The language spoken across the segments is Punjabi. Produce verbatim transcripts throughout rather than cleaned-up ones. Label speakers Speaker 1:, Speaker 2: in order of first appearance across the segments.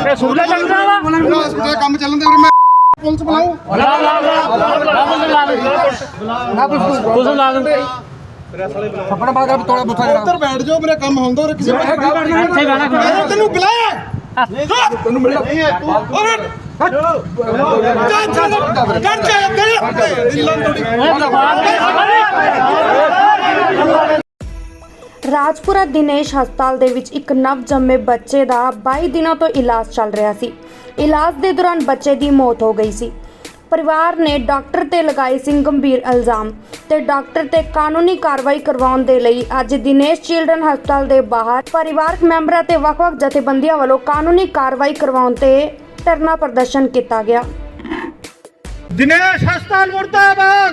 Speaker 1: सूला चल रहा
Speaker 2: है काम चलन दे मैं पुलिस बुलाऊं
Speaker 1: पुलिस ला दे
Speaker 2: अपना बात कर थोड़ा बुथा उधर बैठ जाओ मेरा काम होंदा और किसी तेनू बुलाया तेनू मिला नहीं है तू और कर जा
Speaker 3: ਰਾਜਪੁਰਾ ਦਿਨੇਸ਼ ਹਸਪਤਾਲ ਦੇ ਵਿੱਚ ਇੱਕ ਨਵ ਜੰਮੇ ਬੱਚੇ ਦਾ ਬਾਈ ਦਿਨਾਂ ਤੋਂ ਇਲਾਜ ਚੱਲ ਰਿਹਾ ਸੀ। ਇਲਾਜ ਦੇ ਦੌਰਾਨ ਬੱਚੇ ਦੀ ਮੌਤ ਹੋ ਗਈ ਸੀ। ਪਰਿਵਾਰ ਨੇ ਡਾਕਟਰ ਤੇ ਲਗਾਏ ਸੀ ਗੰਭੀਰ ਇਲਜ਼ਾਮ ਤੇ ਡਾਕਟਰ ਤੇ ਕਾਨੂੰਨੀ ਕਾਰਵਾਈ ਕਰਵਾਉਣ ਦੇ ਲਈ ਅੱਜ ਦਿਨੇਸ਼ ਚਿਲਡਰਨ ਹਸਪਤਾਲ ਦੇ ਬਾਹਰ ਪਰਿਵਾਰਕ ਮੈਂਬਰਾਂ ਤੇ ਵੱਖ-ਵੱਖ ਜਥੇਬੰਦੀਆਂ ਵੱਲੋਂ ਕਾਨੂੰਨੀ ਕਾਰਵਾਈ ਕਰਵਾਉਣ ਤੇ ਧਰਨਾ ਪ੍ਰਦਰਸ਼ਨ ਕੀਤਾ ਗਿਆ।
Speaker 2: दिनेश हस्ताल मुर्दाबाद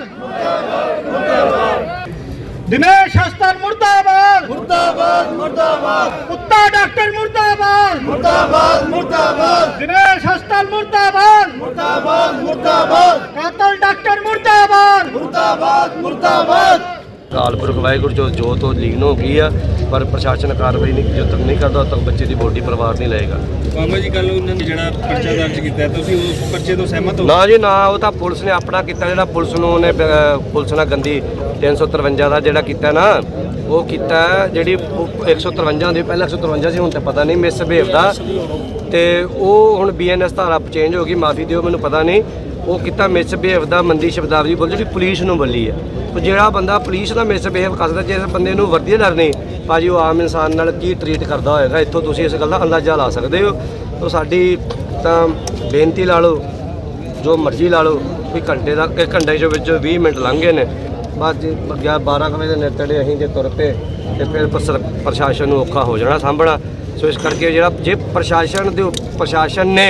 Speaker 2: दिनेश हस्ताल मुर्दाबाद मुर्दाबाद मुर्दाबाद कुत्ता डॉक्टर मुर्दाबाद मुर्दाबाद मुर्दाबाद दिनेश हस्ताल मुर्दाबाद मुर्दाबाद मुर्दाबाद कातल डॉक्टर मुर्दाबाद मुर्दाबाद मुर्दाबाद
Speaker 4: कालपुरख वाहिगुरू जो जो तो लीन हो गई है पर प्रशासन कार्रवाई नहीं जो तक नहीं करता तक बच्चे की बॉडी परिवार नहीं लेगा।
Speaker 5: ਮਾਮਾ ਜੀ ਕੱਲ ਉਹਨਾਂ ਨੇ ਜਿਹੜਾ ਪਰਚਾ ਦਰਜ ਕੀਤਾ ਤੁਸੀਂ ਉਸ ਪਰਚੇ ਤੋਂ ਸਹਿਮਤ ਹੋ?
Speaker 4: ਨਾ ਜੀ ਨਾ, ਉਹ ਤਾਂ ਪੁਲਿਸ ਨੇ ਆਪਣਾ ਕੀਤਾ, ਜਿਹੜਾ ਪੁਲਿਸ ਨੂੰ ਉਹਨੇ ਪੁਲਿਸ ਨਾਲ ਗੰਦੀ ਤਿੰਨ ਸੌ ਤਰਵੰਜਾ ਦਾ ਜਿਹੜਾ ਕੀਤਾ ਨਾ ਉਹ ਕੀਤਾ, ਜਿਹੜੀ ਇੱਕ ਸੌ ਤਰਵੰਜਾ ਹੁੰਦੀ ਪਹਿਲਾਂ ਇੱਕ ਸੌ ਤਰਵੰਜਾ ਸੀ, ਹੁਣ ਤਾਂ ਪਤਾ ਨਹੀਂ ਮਿਸ ਬਿਹੇਵ ਦਾ, ਤੇ ਉਹ ਹੁਣ ਬੀ ਐਨ ਐਸ ਧਾਰਾ ਚੇਂਜ ਹੋ ਗਈ, ਮਾਫੀ ਦਿਓ ਮੈਨੂੰ ਪਤਾ ਨਹੀਂ, ਉਹ ਕੀਤਾ ਮਿਸ ਬਿਹੇਵ ਦਾ ਮੰਦੀ ਸ਼ਬਦਾਵਲੀ ਬੋਲ ਜਿਹੜੀ ਪੁਲਿਸ ਨੂੰ ਬੋਲੀ ਹੈ। ਉਹ ਜਿਹੜਾ ਬੰਦਾ ਪੁਲਿਸ ਦਾ ਮਿਸ ਬਿਹੇਵ ਕਰਦਾ, ਜੇ ਇਸ ਬੰਦੇ ਨੂੰ ਵਰਦੀ ਡਰ ਨਹੀਂ ਭਾਜੀ ਉਹ ਆਮ ਇਨਸਾਨ ਨਾਲ ਕੀ ਟਰੀਟ ਕਰਦਾ ਹੋਏਗਾ, ਇੱਥੋਂ ਤੁਸੀਂ ਇਸ ਗੱਲ ਦਾ ਅੰਦਾਜ਼ਾ ਲਾ ਸਕਦੇ ਹੋ। ਤਾਂ ਸਾਡੀ ਤਾਂ ਬੇਨਤੀ ਲਾ ਲਓ ਜੋ ਮਰਜ਼ੀ ਲਾ ਲਓ ਵੀ ਘੰਟੇ ਦਾ ਇੱਕ ਘੰਟੇ ਦੇ ਵਿੱਚ ਵੀਹ ਮਿੰਟ ਲੰਘ ਗਏ ਨੇ, ਬਸ ਜੀ ਗਿਆ ਬਾਰਾਂ ਕੁ ਵਜੇ ਦੇ ਨੇੜੇ ਅਸੀਂ ਜੇ ਤੁਰ ਪਏ ਤੇ ਫਿਰ ਪ੍ਰਸ਼ਾਸਨ ਨੂੰ ਔਖਾ ਹੋ ਜਾਣਾ ਸਾਂਭਣਾ। ਸੋ ਇਸ ਕਰਕੇ ਜਿਹੜਾ ਜੇ ਪ੍ਰਸ਼ਾਸਨ ਦੇ ਪ੍ਰਸ਼ਾਸਨ ਨੇ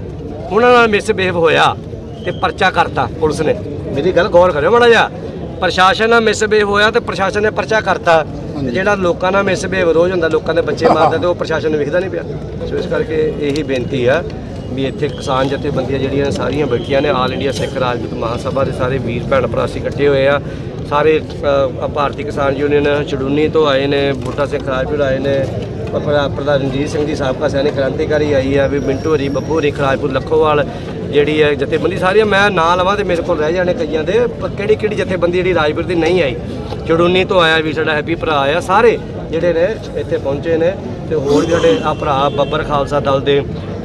Speaker 4: ਉਹਨਾਂ ਨਾਲ ਮਿਸਬਿਹੇਵ ਹੋਇਆ ਤੇ ਪਰਚਾ ਕਰਤਾ ਪੁਲਿਸ ਨੇ, ਮੇਰੀ ਗੱਲ ਗੌਰ ਕਰਿਓ ਮਾੜਾ ਜਿਹਾ, ਪ੍ਰਸ਼ਾਸਨ ਨਾਲ ਮਿਸਬਿਹੇਵ ਹੋਇਆ ਤੇ ਪ੍ਰਸ਼ਾਸਨ ਨੇ ਪਰਚਾ ਕਰਤਾ, ਤੇ ਜਿਹੜਾ ਲੋਕਾਂ ਨਾਲ ਮਿਸਬਿਹੇਵ ਰੋਜ਼ ਹੁੰਦਾ, ਲੋਕਾਂ ਦੇ ਬੱਚੇ ਮਾਰਦਾ ਤੇ ਉਹ ਪ੍ਰਸ਼ਾਸਨ ਨੂੰ ਵਿਖਦਾ ਨਹੀਂ ਪਿਆ। ਸੋ ਇਸ ਕਰਕੇ ਇਹੀ ਬੇਨਤੀ ਆ ਵੀ ਇੱਥੇ ਕਿਸਾਨ ਜਥੇਬੰਦੀਆਂ ਜਿਹੜੀਆਂ ਸਾਰੀਆਂ ਬੈਠੀਆਂ ਨੇ, ਆਲ ਇੰਡੀਆ ਸਿੱਖ ਰਾਜਪੂਤ ਮਹਾਸਭਾ ਦੇ ਸਾਰੇ ਵੀਰ ਭੈਣ ਭਰਾ ਅਸੀਂ ਇਕੱਠੇ ਹੋਏ ਆ, ਸਾਰੇ ਭਾਰਤੀ ਕਿਸਾਨ ਯੂਨੀਅਨ ਚੜੂਨੀ ਤੋਂ ਆਏ ਨੇ, ਬੂਟਾ ਸਿੰਘ ਰਾਜਪੁਰ ਆਏ ਨੇ, ਪ੍ਰਧਾਨ ਰਣਜੀਤ ਸਿੰਘ ਜੀ ਸਾਬਕਾ ਸੈਨਿਕ ਕ੍ਰਾਂਤੀਕਾਰੀ ਆਈ ਆ, ਵੀ ਮਿੰਟੂ ਹਰੀ ਬੱਬੂ ਹਰੀ ਰਾਜਪੁਰ ਲੱਖੋਵਾਲ ਜਿਹੜੀ ਹੈ ਜਥੇਬੰਦੀ ਸਾਰੀਆਂ ਮੈਂ ਨਾਂ ਲਵਾਂ ਤੇ ਮੇਰੇ ਕੋਲ ਰਹਿ ਜਾਣੇ ਕਈਆਂ ਦੇ, ਪਰ ਕਿਹੜੀ ਕਿਹੜੀ ਜਥੇਬੰਦੀ ਜਿਹੜੀ ਰਾਜਪੁਰ ਦੀ ਨਹੀਂ ਆਈ, ਚੜੂਨੀ ਤੋਂ ਆਇਆ ਵੀ ਸਾਡਾ ਹੈਪੀ ਭਰਾ ਆ, ਸਾਰੇ ਜਿਹੜੇ ਨੇ ਇੱਥੇ ਪਹੁੰਚੇ ਨੇ, ਤੇ ਹੋਰ ਜਿਹੜੇ ਆ ਭਰਾ ਬੱਬਰ ਖਾਲਸਾ ਦਲ ਦੇ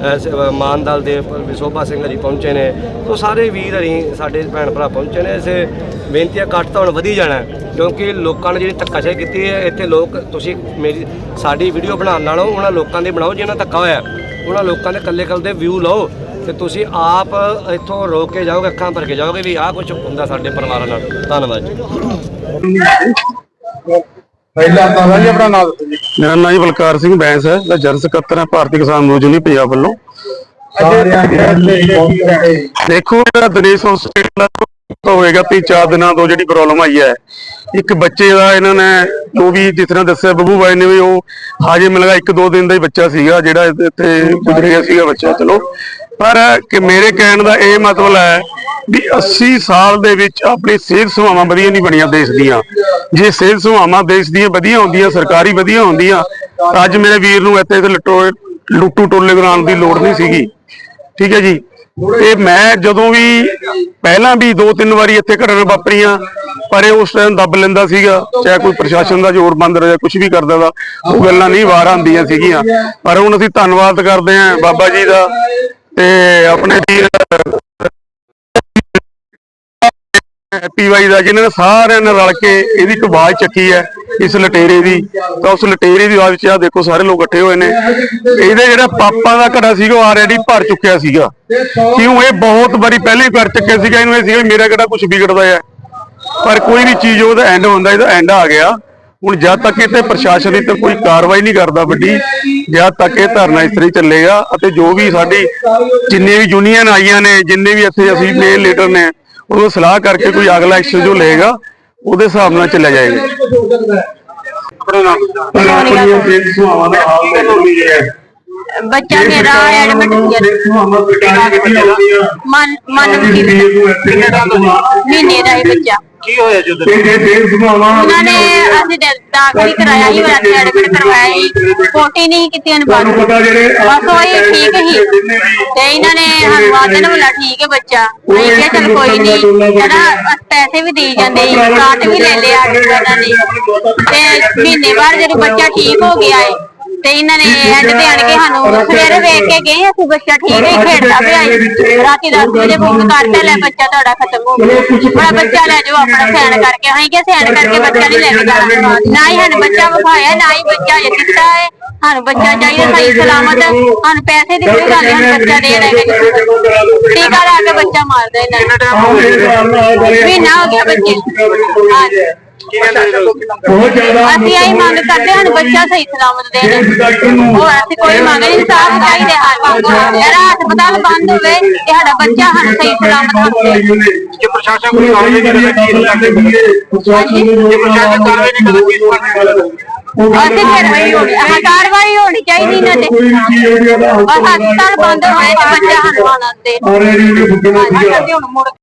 Speaker 4: ਮਾਨ ਦਲ ਦੇ ਵਿਸ਼ੋਭਾ ਸਿੰਘ ਜੀ ਪਹੁੰਚੇ ਨੇ, ਤੋਂ ਸਾਰੇ ਵੀਰ ਹਰੀ ਸਾਡੇ ਭੈਣ ਭਰਾ ਪਹੁੰਚੇ ਨੇ। ਇਸੇ ਬੇਨਤੀਆਂ ਘੱਟ ਤਾਂ ਹੁਣ ਵਧੀ ਜਾਣਾ, ਕਿਉਂਕਿ ਲੋਕਾਂ ਨੇ ਜਿਹੜੀ ਧੱਕਾਸ਼ਾਹੀ ਕੀਤੀ ਹੈ ਇੱਥੇ, ਲੋਕ ਤੁਸੀਂ ਮੇਰੀ ਸਾਡੀ ਵੀਡੀਓ ਬਣਾਉਣ ਨਾਲੋਂ ਉਹਨਾਂ ਲੋਕਾਂ ਦੇ ਬਣਾਓ ਜਿਹਨਾਂ ਧੱਕਾ ਹੋਇਆ, ਉਹਨਾਂ ਲੋਕਾਂ ਦੇ ਇਕੱਲੇ ਇਕੱਲੇ ਦੇ ਵਿਊ ਲਓ ਤੇ ਤੁਸੀਂ ਆਪ ਇੱਥੋਂ ਰੋਕ ਕੇ ਜਾਓਗੇ, ਅੱਖਾਂ ਭਰ ਕੇ ਜਾਓਗੇ ਵੀ ਆਹ ਕੁਝ ਹੁੰਦਾ ਸਾਡੇ ਪਰਿਵਾਰਾਂ ਨਾਲ। ਧੰਨਵਾਦ ਜੀ।
Speaker 2: ਪਹਿਲਾਂ ਤਾਂ ਜੀ ਆਪਣਾ ਨਾਮ ਦੱਸੋ ਜੀ।
Speaker 6: ਮੇਰਾ ਨਾਮ ਜੀ ਬਲਕਾਰ ਸਿੰਘ ਬੈਂਸ ਹੈ, ਮੈਂ ਜਨਰਲ ਸਕੱਤਰ ਹਾਂ ਭਾਰਤੀ ਕਿਸਾਨ ਯੂਨੀਅਨ ਪੰਜਾਬ ਵੱਲੋਂ। ਦੇਖੋ ਜਿਹੜਾ ਦਿਨੇਸ਼ ਹਸਪਤਾਲ ਹੋਏਗਾ ਤਿੰਨ ਚਾਰ ਦਿਨਾਂ ਤੋਂ ਜਿਹੜੀ ਪ੍ਰੋਬਲਮ ਆਈ ਹੈ, ਇੱਕ ਬੱਚੇ ਦਾ ਇਹਨਾਂ ਨੇ ਉਹ ਵੀ ਜਿਸ ਤਰ੍ਹਾਂ ਦੱਸਿਆ ਬੱਬੂ ਬਾਈ ਨੇ ਵੀ ਉਹ ਹਾਜੇ ਮਿਲ ਗਿਆ ਇੱਕ ਦੋ ਦਿਨ ਦਾ ਹੀ ਬੱਚਾ ਸੀਗਾ ਜਿਹੜਾ ਇੱਥੇ ਗੁਜ਼ਰ ਗਿਆ ਸੀਗਾ ਬੱਚਾ, ਚਲੋ ਪਰ ਕਿ ਮੇਰੇ ਕਹਿਣ ਦਾ ਇਹ ਮਤਲਬ ਹੈ ਵੀ अस्सी ਸਾਲ ਦੇ ਵਿੱਚ ਆਪਣੀ ਸਿਹਤ ਸੇਵਾਵਾਂ ਵਧੀਆ ਨਹੀਂ ਬਣੀਆਂ ਦੇਸ਼ ਦੀਆਂ। ਜੇ ਸਿਹਤ ਸੇਵਾਵਾਂ ਦੇਸ਼ ਦੀਆਂ ਵਧੀਆ ਹੁੰਦੀਆਂ, ਸਰਕਾਰੀ ਵਧੀਆ ਹੁੰਦੀਆਂ, ਤਾਂ ਅੱਜ ਮੇਰੇ ਵੀਰ ਨੂੰ ਇੱਥੇ ਲੁੱਟੋ ਲੁੱਟੂ ਟੋਲੇ ਕਰਾਉਣ ਦੀ ਲੋੜ ਨਹੀਂ ਸੀਗੀ। ਠੀਕ ਹੈ ਜੀ। ਤੇ ਮੈਂ ਜਦੋਂ ਵੀ ਪਹਿਲਾਂ ਵੀ ਦੋ ਤਿੰਨ ਵਾਰੀ ਇੱਥੇ ਘਟਨਾ ਵਾਪਰੀਆਂ, ਪਰ ਇਹ ਉਸ ਟਾਈਮ ਦੱਬ ਲੈਂਦਾ ਸੀਗਾ, ਚਾਹੇ ਕੋਈ ਪ੍ਰਸ਼ਾਸਨ ਦਾ ਜ਼ੋਰ ਬੰਦ ਰਿਹਾ ਕੁਝ ਵੀ ਕਰਦਾ ਦਾ, ਉਹ ਗੱਲਾਂ ਨਹੀਂ ਬਾਹਰ ਆਉਂਦੀਆਂ ਸੀਗੀਆਂ। ਪਰ ਹੁਣ ਅਸੀਂ ਧੰਨਵਾਦ ਕਰਦੇ ਹਾਂ ਬਾਬਾ ਜੀ ਦਾ ਤੇ ਆਪਣੇ ਵੀਰ ਹੈਪੀ ਬਾਈ ਦਾ, ਜਿਨ੍ਹਾਂ ਨੇ ਸਾਰਿਆਂ ਨੇ ਰਲ ਕੇ ਇਹਦੀ ਇੱਕ ਆਵਾਜ਼ ਚੱਕੀ ਹੈ ਇਸ ਲਟੇਰੇ ਦੀ, ਤਾਂ ਉਸ ਲਟੇਰੇ ਦੀ ਆਵਾਜ਼ ਵਿੱਚ ਆ ਦੇਖੋ ਸਾਰੇ ਲੋਕ ਇਕੱਠੇ ਹੋਏ ਨੇ। ਇਹਦੇ ਜਿਹੜਾ ਪਾਪਾਂ ਦਾ ਘੜਾ ਸੀਗਾ ਉਹ ਆਲਰੇਡੀ ਭਰ ਚੁੱਕਿਆ ਸੀਗਾ, ਕਿਉਂ ਇਹ ਬਹੁਤ ਵਾਰੀ ਪਹਿਲੇ ਕਰ ਚੁੱਕਿਆ ਸੀਗਾ। ਇਹਨੂੰ ਇਹ ਸੀਗਾ ਮੇਰਾ ਕਿਹੜਾ ਕੁਝ ਵਿਗੜਦਾ ਹੈ, ਪਰ ਕੋਈ ਵੀ ਚੀਜ਼ ਉਹਦਾ ਐਂਡ ਹੁੰਦਾ, ਇਹਦਾ ਐਂਡ ਆ ਗਿਆ। ਹੁਣ ਜਦ ਤੱਕ ਇੱਥੇ ਪ੍ਰਸ਼ਾਸਨ ਦੀ ਤਾਂ ਕੋਈ ਕਾਰਵਾਈ ਨਹੀਂ ਕਰਦਾ ਵੱਡੀ, ਜਦ ਤੱਕ ਇਹ ਧਰਨਾ ਇਸ ਤਰ੍ਹਾਂ ਹੀ ਚੱਲੇਗਾ। ਅਤੇ ਜੋ ਵੀ ਸਾਡੀ ਜਿੰਨੇ ਵੀ ਯੂਨੀਅਨ ਆਈਆਂ ਨੇ, ਜਿੰਨੇ ਵੀ ਇੱਥੇ ਅਸੀਂ ਮੇਨ ਲੀਡਰ ਨੇ, ਉਹ ਸਲਾਹ ਕਰਕੇ ਕੋਈ ਅਗਲਾ ਐਕਸ਼ਨ ਜੋ ਲਏਗਾ ਉਹਦੇ ਹਿਸਾਬ ਨਾਲ ਚੱਲਿਆ ਜਾਏਗਾ।
Speaker 7: ਬੱਚਾ ਮੇਰਾ ਐਡਮਿਟ ਮਨ ਮਨ ਮਹੀਨੇ ਦਾ ਹੀ ਬੱਚਾ
Speaker 4: ਕੀ ਹੋਇਆ ਜੀ ਉਧਰ?
Speaker 7: ਉਹਨਾਂ ਨੇ ਅਸੀਂ ਦ- ਦਾਖਲ ਹੀ ਕਰਾਇਆ ਸੀ ਉਹਨਾਂ ਨੇ ਐਡਮਿਟ ਕਰਵਾਇਆ ਸੀ ਪੋਟੀ ਨਹੀਂ ਕੀਤੀ ਉਹਨੇ ਬਾਅਦ ਬਸ ਉਹ ਹੀ ਠੀਕ ਹੀ ਤੇ ਇਹਨਾਂ ਨੇ ਸਾਨੂੰ ਆਦਨ ਵਾਲਾ ਠੀਕ ਹੈ ਬੱਚਾ ਅਸੀਂ ਕਿਹਾ ਚੱਲ ਕੋਈ ਨਹੀਂ ਕਹਿੰਦਾ ਪੈਸੇ ਵੀ ਦੇ ਜਾਂਦੇ ਸੀ ਕਾਟ ਵੀ ਲੈ ਲਿਆ ਇਹਨਾਂ ਨੇ ਤੇ ਮਹੀਨੇ ਬਾਅਦ ਜਦੋਂ ਬੱਚਾ ਠੀਕ ਹੋ ਗਿਆ ਹੈ ਤੇ ਇਹਨਾਂ ਨੇ ਐਂਡ ਤੇ ਆਣ ਕੇ ਸਾਨੂੰ ਸਵੇਰੇ ਵੇਖ ਕੇ ਗਏ ਅਸੀਂ ਬੱਚਾ ਠੀਕ ਹੈ ਖੇਡਦਾ ਪਿਆ ਸੀ ਰਾਤੀ ਦਸ ਵਜੇ ਫੋਨ ਕਰਤਾ ਲੈ ਬੱਚਾ ਤੁਹਾਡਾ ਖਤਮ ਹੋ ਗਿਆ ਬੜਾ ਬੱਚਾ ਲੈ ਜਾਓ ਆਪਣਾ ਸੈਨ ਕਰਕੇ ਅਸੀਂ ਕਿਹਾ ਸੈਨ ਕਰਕੇ ਬੱਚਾ ਨਹੀਂ ਲੈ ਕੇ ਜਾਣਾ ਨਾ ਹੀ ਸਾਨੂੰ ਬੱਚਾ ਵਿਖਾਇਆ ਨਾ ਹੀ ਬੱਚਾ ਅਜੇ ਦਿੱਤਾ ਹੈ ਸਾਨੂੰ ਬੱਚਾ ਚਾਹੀਦਾ ਸਹੀ ਸਲਾਮਤ ਸਾਨੂੰ ਪੈਸੇ ਦੀ ਕੋਈ ਗੱਲ ਨਹੀਂ ਬੱਚਾ ਦੇ ਰਹੇ ਟੀਕਾ ਲਾ ਕੇ ਬੱਚਾ ਮਾਰਦਾ ਇਹਨਾਂ ਨੇ ਮਹੀਨਾ ਹੋ ਗਿਆ ਬੱਚੇ ਹਾਂਜੀ ਅਸੀਂ ਆਹੀ ਮੰਗ ਕਰਦੇ ਹਾਂ ਬੱਚਾ ਸਹੀ ਸਲਾਮਤ ਦੇ ਹੋਰ ਅਸੀਂ ਕੋਈ ਮੰਗ ਨਹੀਂ ਇਨਸਾਫ ਚਾਹੀਦਾ ਹਨ ਮੇਰਾ ਹਸਪਤਾਲ ਬੰਦ ਹੋਵੇ ਤੇ ਸਾਡਾ ਬੱਚਾ ਸਾਨੂੰ ਸਹੀ ਸਲਾਮਤ ਹੋਵੇ
Speaker 4: ਜੇ ਪ੍ਰਸ਼ਾਸਨ ਕੋਈ ਕਾਰਵਾਈ ਨਹੀਂ ਕਰਦਾ ਕੀ ਲੱਗਦਾ ਜੇ ਪ੍ਰਸ਼ਾਸਨ ਕਾਰਵਾਈ ਨਹੀਂ ਕਰਦਾ ਕੀ ਲੱਗਦਾ
Speaker 7: ਅਸੀਂ ਫਿਰ ਹਾਂ ਕਾਰਵਾਈ ਹੋਣੀ ਚਾਹੀਦੀ ਨਾ ਤੇ ਬਸ ਹਸਪਤਾਲ ਬੰਦ ਹੋਏ ਤੇ ਬੱਚਾ ਸਾਨੂੰ ਆਉਣਾ ਦੇ